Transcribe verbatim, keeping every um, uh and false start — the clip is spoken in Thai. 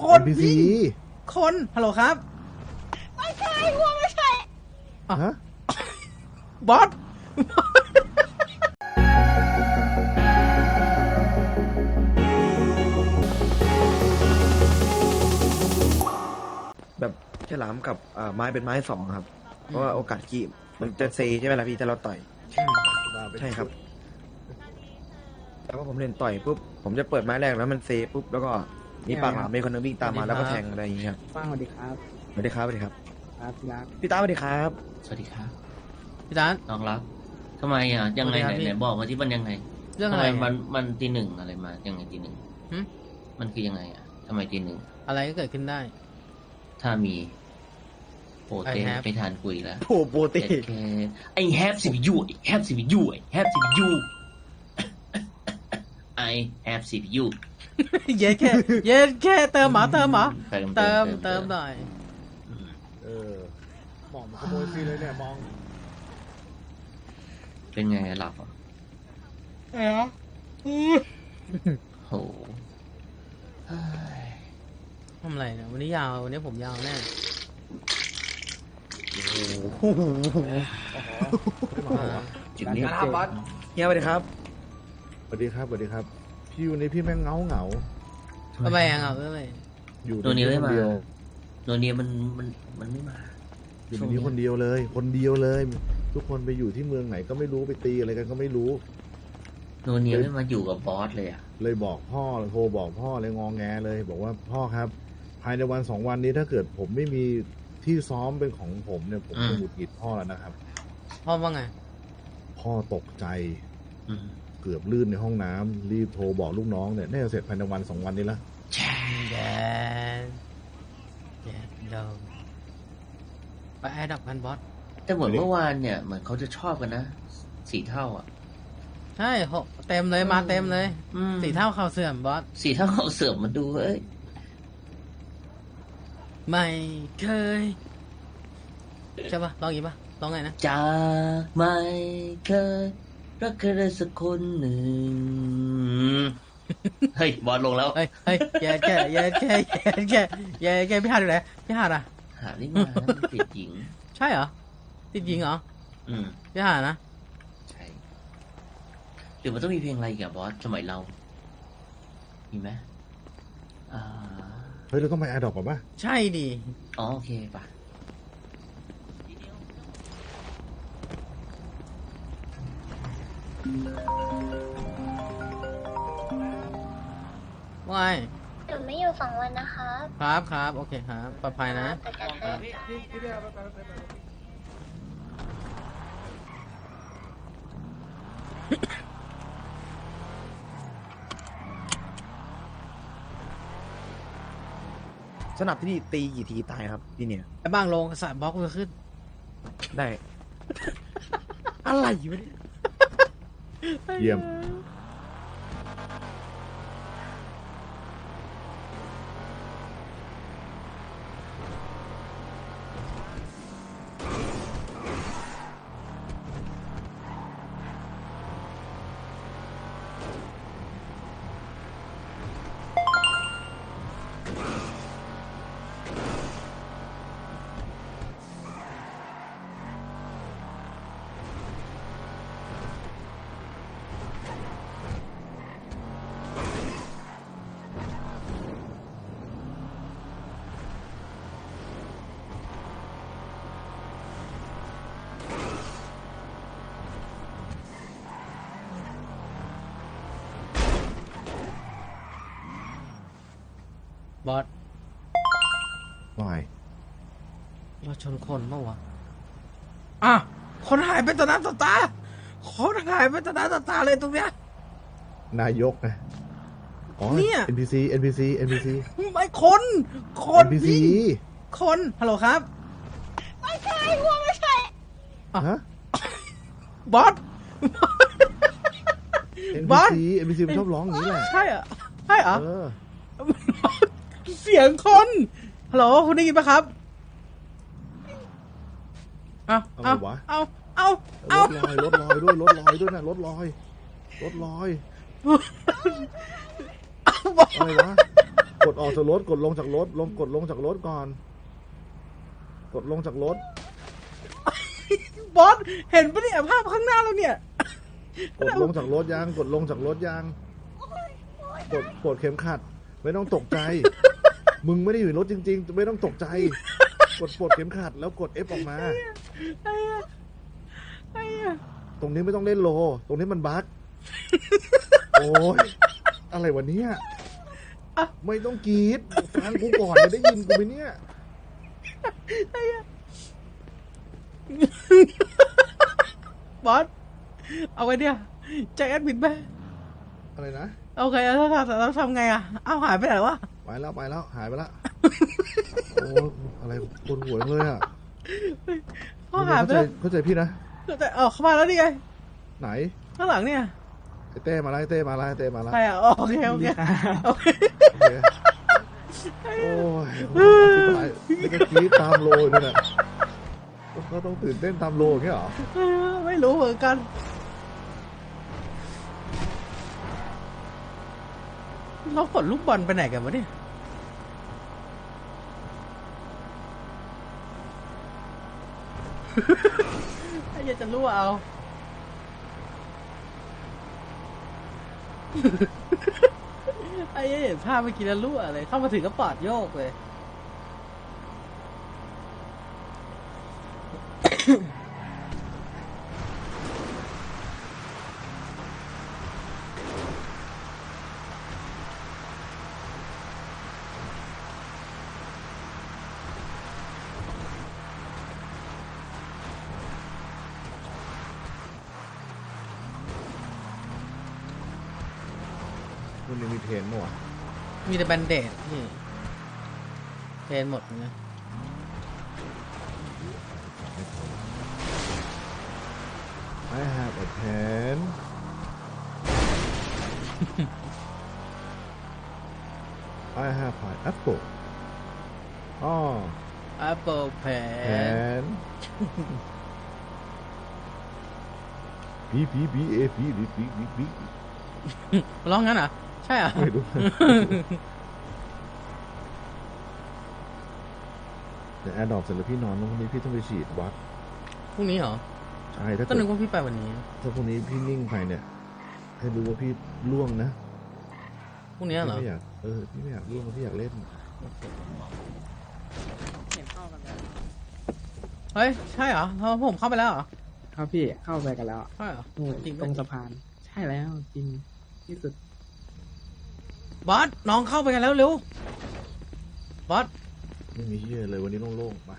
นพี่คนฮัลโหลครับไม่ใช่หัวไม่ใช่ฮะบอสแบบฉลามกับไม้เป็นไม้สองครับเพราะว่าโอกาสกีมันจะเซใช่ไหมล่ะพี่ถ้าเราต่อยใช่ครับแล้วก็ผมเล่นต่อยปุ๊บผมจะเปิดไม้แรกแล้วมันเซปุ๊บแล้วก็มีปากหลามมีคนนึงวิ่งตามมาแล้วก็แทงอะไรอย่างเงี้ยครับฟังสวัสดีครับสวัสดีครับสวัสดีครับครับพี่รักพี่ตาสวัสดีครับสวัสดีครับพี่ตาน้องรักทำไมอ่ะยังไงไหนไหนบอกมาที่มันยังไงเรื่องอะไรมันมันตีหนึ่งอะไรมายังไงตีหนึ่งมันคือยังไงอ่ะทำไมตีหนึ่งอะไรก็เกิดขึ้นได้ถ้ามีโปรเต้ไปทานกุยแล้วโอ้โปรเต้ไอแฮปซีพียูไอแฮปซีพียูไอแฮปซีพียูไอแฮปซีพียูเย็นแค่เย็นแค่เติมหมาเติมหมาเติมเติมหน่อยเออมองมันขโมยฟรีเลยเนี่ยมองเป็นไงหลับอ่ะเอ๋โหทำอะไรเนี่ยวันนี้ยาววันนี้ผมยาวแน่จุดนี้ครับบอสเฮียสวัสดีครับสวัสดีครับสวัสดีครับพี่วันนี้พี่แม่งเงาเหงาทำไมอะเงาทำไมอยู่ตัวนี้ไม่มาเดียวตัวนี้มันมันมันไม่มาอยู่ที่คนเดียวเลยคนเดียวเลยทุกคนไปอยู่ที่เมืองไหนก็ไม่รู้ไปตีอะไรกันก็ไม่รู้ตัวนี้ไม่มาอยู่กับบอสเลยอ่ะเลยบอกพ่อโทรบอกพ่อเลยงองแงเลยบอกว่าพ่อครับภายในวันสองวันนี้ถ้าเกิดผมไม่มีที่ซ้อมเป็นของผมเนี่ยผมจะหงุดหงิดพ่อแล้วนะครับพ่อว่าไงพ่อตกใจเกือบลื่นในห้องน้ำรีบโทรบอกลูกน้องเนี่ยน่าจะเสร็จภายในวันสองวันนี้ละแย่แย่เดาไปแอดดับกันบอสแต่เหมือนเมื่อวานเนี่ยเหมือนเขาจะชอบกันนะสี่เท่าอ่ะใช่เต็มเลยมาเต็มเลยสี่เท่าเข่าเสื่อมบอสสี่เท่าเข่าเสื่อมมาดูเอ้ยไม่เคยใช่ปะลองอีกปะลองไงนะจะไม่เคยรักใครได้สักคนหนึ่งเฮ้ยบอลลงแล้วเฮ้ยเฮ้ยแย่แย่แย่แย่แย่แย่แย่พี่หาดอยู่ไหนพี่หาดอะหานี่มาติดหญิงใช่เหรอติดหญิงเหรออืมพี่หาดนะใช่เดี๋ยวมันต้องมีเพลงอะไรกับบอสสมัยเรามีไหมอ่าเฮ้ยเราต้องไปแอดดอกก่อนป่ะใช่ดิอ๋อโอเคป่ะว่ายหนูไม่อยู่สองวันนะคะครับครับโอเคครับปลอดภัยนะสนับที่นี่ตีกี่ทีตายครับพี่เนี่ยไอ้บ้างลงสายบล็อกจะขึ้นได้อะไรอยู่เนี่ยเยี่ยมบอสว่าไงเราชนคนเมื่อวะอ่ะคนหายไปต่อหน้าต่อตาคนหายไปต่อหน้าต่อตาเลยตรงเนี้ยนายกนะอ๋อเนี่ยเอ็น พี ซี เอ็น พี ซี เอ็น พี ซีไม่คนคนเอ็น พี ซีคนฮัลโหลครับไม่ใช่หัวไม่ใช่ฮะบอสบอส เอ็น พี ซี มันชอบร้องอย่างนี้แหละใช่อ่ะใช่เหรอเสียงคนฮัลโหลคุณได้ยินปะครับเอาเอาเอาเอาเอารถลอยรถลอยด้วยรถลอยด้วยนะรถลอยรถลอยอะไรวะกดออกจากรถกดลงจากรถลงกดลงจากรถก่อน กดลงจากรถบอสเห็นปะเนี่ยภาพข้างหน้าเราเนี่ยกดลงจากรถยังกดลงจากรถยังกดกดเข็มขัด ไม่ต้องตกใจ มึงไม่ได้อยู่ในรถจริง ๆ ไม่ต้องตกใจ กดปลดเข็มขัดแล้วกด F ออกมาไอ้เหี้ยไอ้เหี้ยตรงนี้ไม่ต้องเล่นโล ตรงนี้มันบั๊ก โอ้ยอะไรวะเนี่ยไม่ต้องกรีดฟังกูก่อนจะได้ยินกูไหมเนี่ยบอสเอาไงเนี่ยแจ็คแอดมินไปอะไรนะโอเคแล้วทำแล้วทำไงอ่ะเอ้าหายไปไหนวะไปแล้วไปแล้วหายไปแล้ว โอ้อะไรปวดหัวเลยอ่ะเขาหายไปเข้าใจแล้วเข้าใจพี่นะแต่เออเข้ามาแล้วนี่ไงไหนข้างหลังเนี่ยไอ้เต้มาแล้วไอ้เต้มาแล้วไอ้เต้มาแล้วใครอ่ะอ๋อโอเคโอเคโอเคโอเคโอ้ยนี่ก็กรีดตามโลอยู่นั่นแหละก็ต้องตื่นเต้นตามโลอย่างเงี้ยเหรอเออไม่รู้เหมือนกันเราขนลูกบอลไปไหนกันวะเนี่ยไอ้เหี้ยจะรู้เอา ไอ้เหี้ยเห็นภาพเมื่อกี้แล้วรู้อะไรเข้ามาถึงก็ปอดโยกเลยมันยังมีเทรนมั้วะมีแต่แบนเดดนี่เทรนหมดนะ I have a pen I have pineapple อ๋อ Apple Pen pen B B B A B B B B B ร้องงั้นเหรอ ใช่เหรอไม่รู้ เดี๋ยวแอร์ดรอปเสร็จแล้วพี่นอนแล้วพรุ่งนี้พี่ต้องไปฉีดวัดพรุ่งนี้เหรอใช่ถ้าก็เกิดนึกว่าพี่ไปวันนี้ถ้าพรุ่งนี้พี่นิ่งไปเนี่ย ให้รู้ว่าพี่ล่วงนะพรุ่งนี้เหรอพี่ไม่อยากเออพี่ไม่อยากล่วงพี่อยากเล่นเฮ้ย ใช่เหรอเราผมเข้าไปแล้วเหรอครับพี่เข้าไปกันแล้วใช่เหรอนู่นจริงไหมตรงสะพาน ใช่แล้วจริงที่สุดบอสน้องเข้าไปกันแล้วเร็ว บอสไม่มีเชื่อเลยวันนี้โล่งๆมา